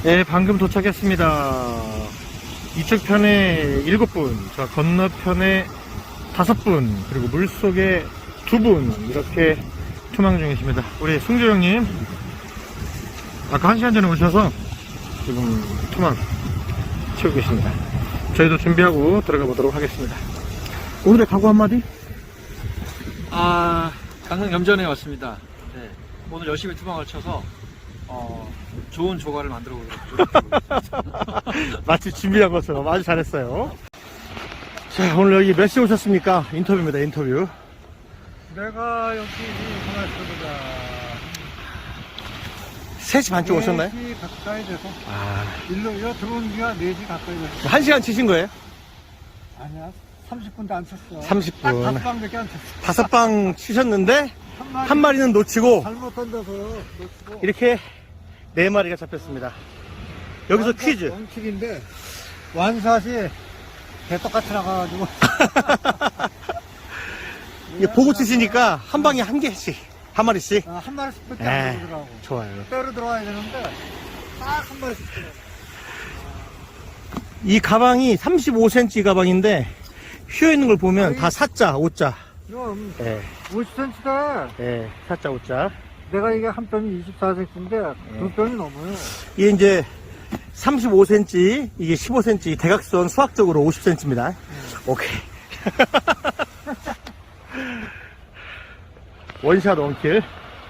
네, 방금 도착했습니다. 이쪽 편에 7분, 저 건너편에 5분, 그리고 물속에 2분, 이렇게 투망 중이십니다. 우리 승주 형님, 아까 1시간 전에 오셔서 지금 투망 치우고 계십니다. 저희도 준비하고 들어가 보도록 하겠습니다. 오늘의 각오 한마디? 강릉 염전에 왔습니다. 네, 오늘 열심히 투망을 쳐서 좋은 조과를 만들어 보도록. 마치 준비한 것처럼 아주 잘했어요. 자, 오늘 여기 몇 시에 오셨습니까? 인터뷰입니다, 인터뷰. 내가 여기 전화 들어보자. 3시 반쯤 오셨나요? 4시 가까이 돼서. 아, 일로 들어온 지가 4시 가까이 돼서. 1시간 치신 거예요? 아니야, 30분도 안 쳤어. 30분. 딱 5방밖에 안 쳤어. 5방 치셨는데, 한 마리는 놓치고, 잘못 던져서 놓치고. 이렇게 4마리가 잡혔습니다. 여기서 퀴즈. 원칙인데, 완샷이 개떡같이 나가가지고. 이게 보고 치시니까 한 방에 한 개씩, 한 마리씩. 한 마리씩 밖에 안 들어오더라고. 좋아요. 때로 들어와야 되는데, 딱 한 마리씩 들어와. 이 가방이 35cm 가방인데, 휘어있는 걸 보면 다 4자, 5자. 그럼, 예, 50cm다. 예, 4자, 5자. 내가 이게 한 뼘이 24cm인데, 두 뼘이 넘어요. 이게 이제 35cm, 이게 15cm, 대각선 수학적으로 50cm입니다. 오케이. 원샷 원킬.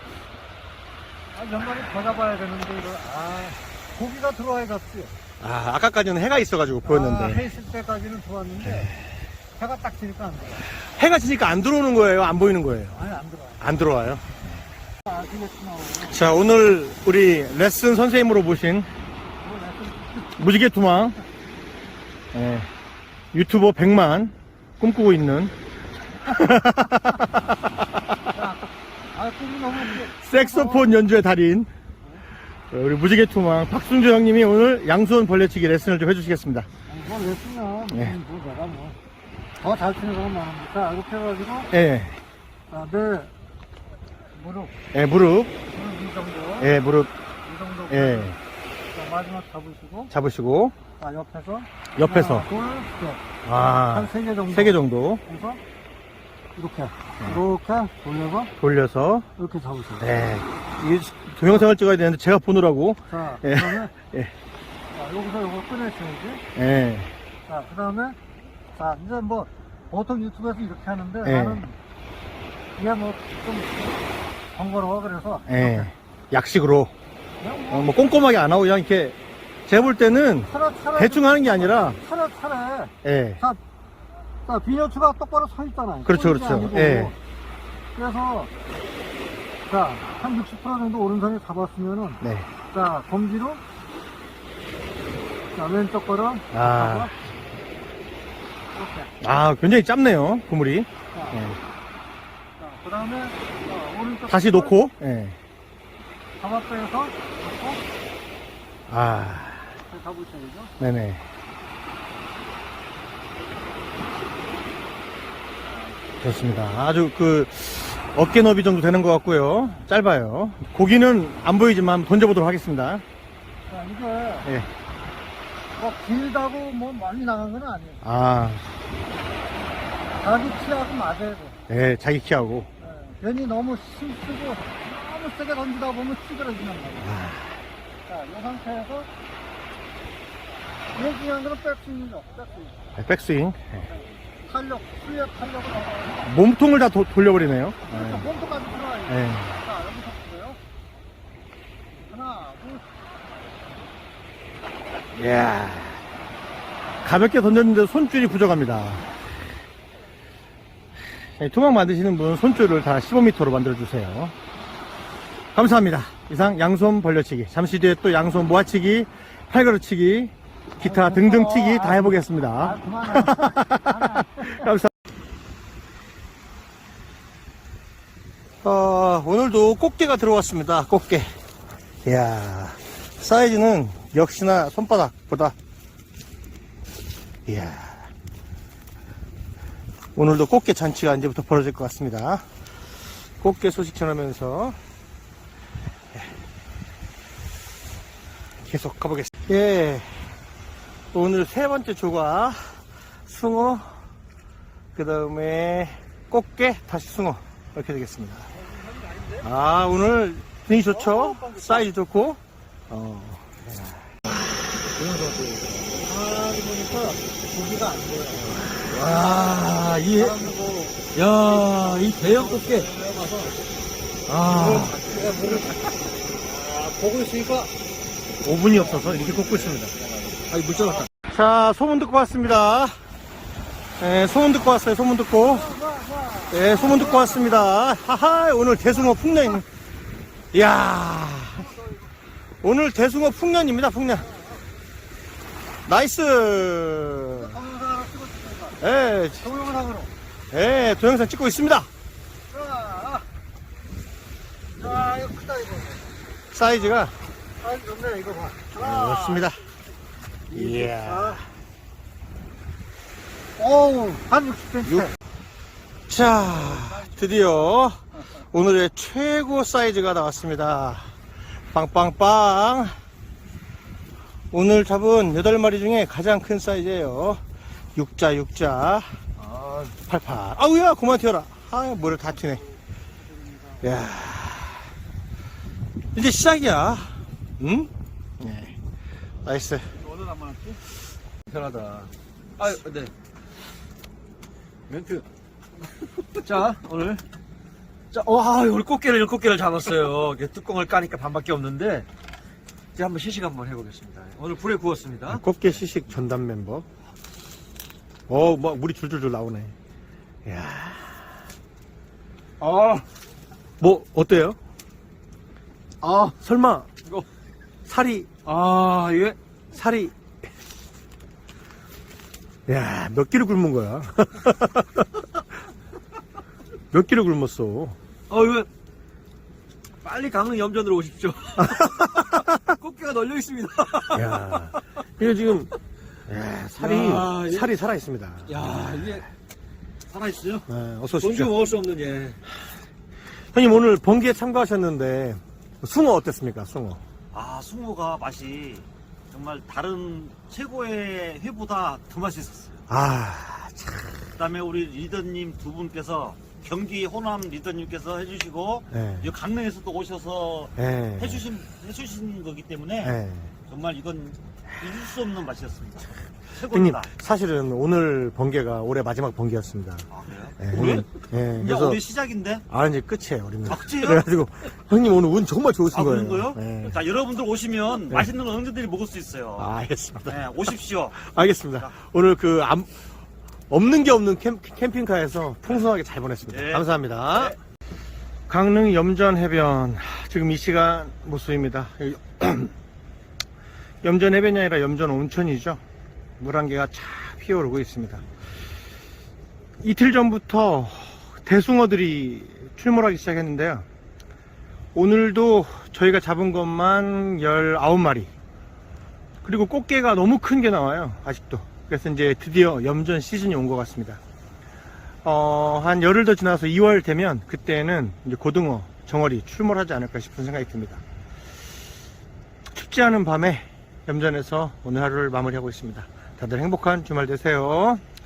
몇 마리 더 잡아야 되는데, 이거, 고기가 들어와야 잡지. 아까까지는 해가 있어가지고 보였는데. 해 있을 때까지는 좋았는데, 해가 딱 지니까 안 들어와. 해가 지니까 안 들어오는 거예요? 안 보이는 거예요? 아니, 안 들어와. 안 들어와요. 아시겠구나. 자, 오늘 우리 레슨 선생님으로 모신 무지개 투망, 예, 유튜버 100만 꿈꾸고 있는 꿈이 너무 색소폰 연주의 달인, 우리 무지개 투망 박순주 형님이 오늘 양손 벌려치기 레슨을 좀 해주시겠습니다. 뭐 레슨이야. 예. 뭐 내가 뭐. 더 잘 치는 사람 많은데. 자, 이렇게 해가지고, 예, 내 무릎. 예, 무릎, 이 정도. 예, 무릎, 이 정도. 예, 자, 마지막 잡으시고, 잡으시고, 자, 옆에서, 하나, 둘, 셋. 아, 한 3개 정도. 3개 정도 해서, 이렇게 돌려서, 돌려서, 이렇게 잡으세요. 예, 이 동영상을 찍어야 되는데 제가 보느라고, 자, 예. 그 다음에, 예, 자, 여기서 이거 꺼내셔야지. 예, 자, 그 다음에, 자, 이제 뭐, 보통 유튜브에서 이렇게 하는데, 예. 나는, 이게 뭐, 좀, 번거로워, 그래서. 예, 약식으로, 그냥 뭐, 뭐 꼼꼼하게 안 하고 그냥 이렇게 제가 볼 때는 차례, 대충 하는 게 아니라, 차례. 예, 자, 비녀추가 똑바로 서 있잖아요. 그렇죠, 꼬리가 그렇죠. 아니고. 예. 그래서, 자, 한 60% 정도 오른손에 잡았으면은, 네, 자, 검지로, 자, 왼쪽 거를, 아. 이렇게. 굉장히 짧네요, 그물이. 자, 예. 자, 그 다음에, 오른쪽. 다시 거를 놓고, 예, 잡아 빼서, 놓고, 아, 잡으셔야죠. 네네. 좋습니다. 아주 어깨 너비 정도 되는 것 같고요. 짧아요. 고기는 안 보이지만 던져보도록 하겠습니다. 자, 이게, 예. 뭐, 길다고 뭐 많이 나간 건 아니에요. 아, 자기 키하고 맞아야 돼. 예, 자기 키하고. 괜히 너무 힘쓰고 너무 세게 던지다 보면 찌그러지는 거예요. 자, 이 상태에서 제일 중요한 거는 백스윙이죠. 백스윙. 백스윙. 탄력, 수의 탄력을 얻어서 몸통을 다 돌려버리네요. 몸통까지 들어와요. 예. 자, 여기서 보세요. 하나, 둘, 이야. 가볍게 던졌는데 손줄이 부족합니다. 투망 만드시는 분 손줄을 다 15m로 만들어주세요. 감사합니다. 이상 양손 벌려치기, 잠시 뒤에 또 양손 모아치기, 팔걸이치기, 기타 등등 치기 다 해보겠습니다. 그만해. 감사합니다. 오늘도 꽃게가 들어왔습니다. 꽃게. 이야, 사이즈는 역시나 손바닥보다. 이야, 오늘도 꽃게 잔치가 이제부터 벌어질 것 같습니다. 꽃게 소식 전하면서 계속 가보겠습니다. 예, 오늘 세 번째 조가 숭어, 그 다음에 꽃게, 다시 숭어 이렇게 되겠습니다. 아, 오늘 분위기 좋죠? 사이즈 좋고. 보니까 고기가 안 보여요. 와, 이 대형 꽃게. 보고 있으니까 5분이 없어서 이렇게 꽂고 있습니다. 아이, 물 쫄았다. 자, 소문 듣고 왔습니다. 네, 소문 듣고 왔어요, 소문 듣고. 네, 소문 듣고 왔습니다. 하하, 오늘 대숭어 풍년. 이야. 오늘 대숭어 풍년입니다, 풍년. 나이스. 동영상으로 찍어주니까. 예, 동영상으로. 예, 동영상 찍고 있습니다. 자, 이거 크다, 이거. 사이즈가 사이즈 좋네, 이거 봐. 그렇습니다. 이야. 오우, 한 60cm. 자, 드디어 오늘의 최고 사이즈가 나왔습니다. 빵빵빵. 오늘 잡은 8마리 중에 가장 큰 사이즈예요. 육자. 팔팔. 아우야, 그만 튀어라. 아, 뭐를 다 튀네. 야, 이제 시작이야. 응? 네. 나이스. 오늘 안 많았지? 편하다. 아, 네. 멘트. 자, 오늘. 자, 와, 오늘 꽃게를 7개를 잡았어요. 이게 뚜껑을 까니까 반밖에 없는데. 이제 한번 시식 한번 해보겠습니다. 오늘 불에 구웠습니다. 꽃게 시식 전담 멤버. 뭐 물이 줄줄줄 나오네. 야, 뭐 어때요? 설마 이거. 살이 이게. 야, 몇 킬로 굶은 거야? 몇 킬로 굶었어? 이거. 빨리 강릉 염전으로 오십시오. 꽃게가 널려 있습니다. 야, 이거 지금 야, 살이 살아 있습니다. 야, 이게 살아있어요? 어서 돈 오십시오. 주고 먹을 수 없는 예. 형님 오늘 번기에 참가하셨는데 숭어 어땠습니까? 숭어. 숭어가 맛이 정말 다른 최고의 회보다 더 맛있었어요. 참. 그다음에 우리 리더님 두 분께서 경기 호남 리더님께서 해주시고 네. 이 강릉에서도 오셔서 네. 해주신 거기 때문에 네. 정말 이건 잊을 수 없는 맛이었습니다. 형님 최고입니다. 사실은 오늘 번개가 올해 마지막 번개였습니다. 그래요? 네, 올해? 형님. 네, 이제 그래서 올해 시작인데? 이제 끝이에요, 우리는. 끝이에요? 그래가지고 형님 오늘 운 정말 좋으신 거예요. 그런 거요? 네. 자, 여러분들 오시면 맛있는 거 언제든지 먹을 수 있어요. 알겠습니다. 네, 오십시오. 알겠습니다. 오늘 없는 게 없는 캠핑카에서 풍성하게 잘 보냈습니다. 네. 감사합니다. 강릉 염전 해변 지금 이 시간 모습입니다. 염전 해변이 아니라 염전 온천이죠. 물안개가 차 피어오르고 있습니다. 이틀 전부터 대숭어들이 출몰하기 시작했는데요. 오늘도 저희가 잡은 것만 19마리. 그리고 꽃게가 너무 큰 게 나와요, 아직도. 그래서 이제 드디어 염전 시즌이 온 것 같습니다. 한 열흘 더 지나서 2월 되면 그때는 이제 고등어, 정어리 출몰하지 않을까 싶은 생각이 듭니다. 춥지 않은 밤에 염전에서 오늘 하루를 마무리하고 있습니다. 다들 행복한 주말 되세요.